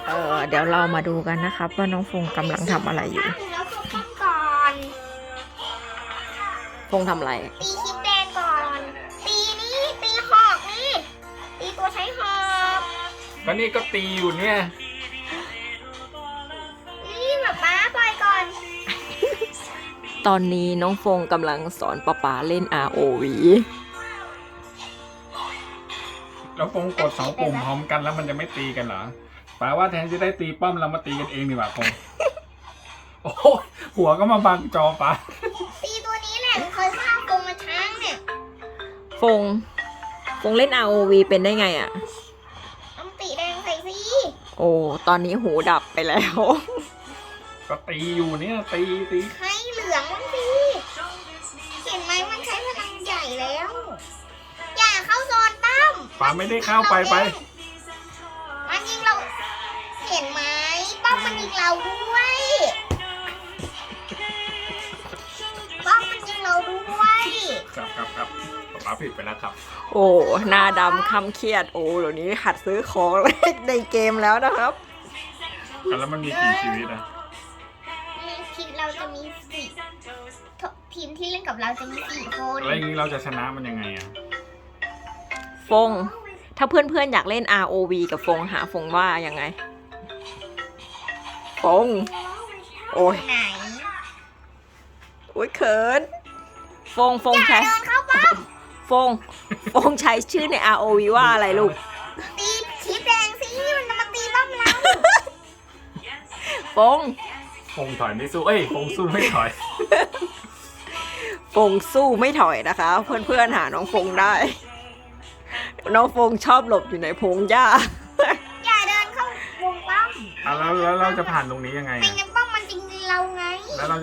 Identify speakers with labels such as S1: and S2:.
S1: เดี๋ยวเรามาดูกันนะครับว่าน้องฟงกำลังทำอะไรอยู่
S2: แล้วก็ป้องก่อน
S1: ฟงทำอะไร
S2: ตีคลิปแดงก่อน ตีนี่ตีหอกนี่ตีตัวใช้หอก
S3: ก็นี่ก็ตีอยู่เนี่ย
S2: นี่แบบป้าปล่อยก่อน
S1: ตอนนี้น้องฟงกำลังสอนป๊าเล่น ROV
S3: แล้วฟงกดสองปุ่มพร้อมกันแล้วมันจะไม่ตีกันเหรอแปลว่าแทนจะได้ตีป้อมเรามาตีกันเองดีกว่าฟง โอ้โหหัวก็มาบังจอปะ
S2: ตีตัวนี้แหละเคยฆ่าโกงมาช้างเนี่ย
S1: ฟงเล่น ROV เป็นได้ไงอะ
S2: ต้องตีแดงใส่สิ
S1: โอ้ตอนนี้หูดับไปแล้ว
S3: ก็ตีอยู่เนี่ยตี
S2: ให้เหลืองมันสิเห็นไหมมันใช้พลังใหญ่แล้ว อย่าเข้าโซนตั้ม
S3: ปาไม่ได้เข้าไป
S2: มันยิงเรา เห็นไหมป้อมมันยิงเราด้วยป้อมมันยิงเราด้วย
S3: ครับปาผิดไปแล้วครับ
S1: โอ้หน้าดำคำเครียดโอ้เดี๋ยวนี้หัดซื้อของในเกมแล้วนะครับ
S3: แล้วมันมีกี่ชีวิตอะ
S2: ทีมเราจะมีสี่ทีมที่เล่นกับเราจะมี4 คน
S3: แล้วอย่างนี้เราจะชนะมันยังไงอะ
S1: ฟง ถ้าเพื่อนๆอยากเล่น ROV กับฟงหาฟงว่ายังไง ฟง โอ้ย
S2: ไหน
S1: โอ้ยเขิน ฟง
S2: อย่า
S1: ใช้
S2: เดินเข้าป้อม
S1: ฟงใช้ชื่อใน ROV ว่าอะไรลูก
S2: ตีชีพแดงสิมันจะมาตีป้อมเรา
S1: ฟง
S3: ฟงถอยไม่สู้ฟงสู้ไม่ถอย
S1: ฟงสู้ไม่ถอยนะคะ เพื่อนๆหาน้องฟงได้ น้องฟงชอบหลบอยู่ในพงหญ้า
S2: อย่าเดินเข้าวงป้อม
S3: แล้วเราจะผ่านตรงนี้ยังไง
S2: ไม่
S3: อะ
S2: งั้นป้อมมันจริงเราไง
S3: แล้วเรา